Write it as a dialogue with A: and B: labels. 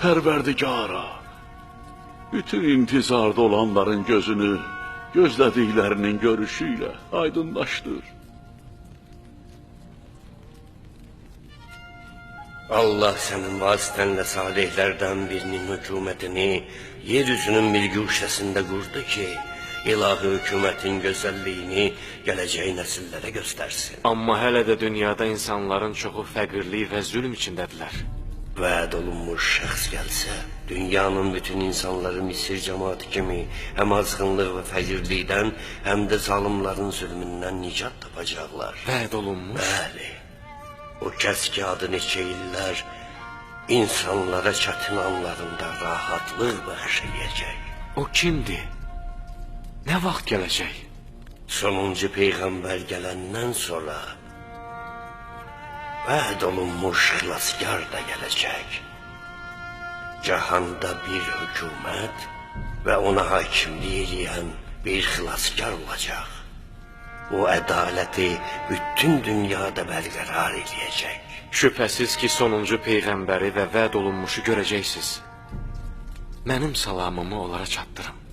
A: Pərverdigara, bütün intizarda olanların gözünü gözlədiklərinin görüşüyle aydınlaşdır.
B: Allah sənin vasitənlə salihlərdən birinin hökumətini yeryüzünün bir güşəsində qurdu ki, ilahi hökumətin gözəlliyini gələcək nəsillərə göstərsin.
C: Amma hələ də dünyada insanların çoxu fəqirlik və zülm içindədirlər.
B: Vəd olunmuş şəxs gəlsə, dünyanın bütün insanları Misir cəmaatı kimi həm azğınlıq və fəqirlikdən, həm də zalimların zülmündən nicat tapacaqlar.
C: Vəd olunmuş?
B: Bəli. O kəs ki, adı neçə illər insanlara çətin anlarında rahatlıq bəxşəyəcək.
C: O kimdir? Nə vaxt gələcək?
B: Sonuncu Peyğəmbər gələndən sonra vəd olunmuş xilaskar da gələcək. Cahanda bir hökumət və ona hakimlik edən bir xilaskar olacaq. O ədaləti bütün dünyada bərqərar edəcək.
C: Şübhəsiz ki, sonuncu Peyğəmbəri və vəd olunmuşu görəcəksiniz. Mənim salamımı onlara çatdırım.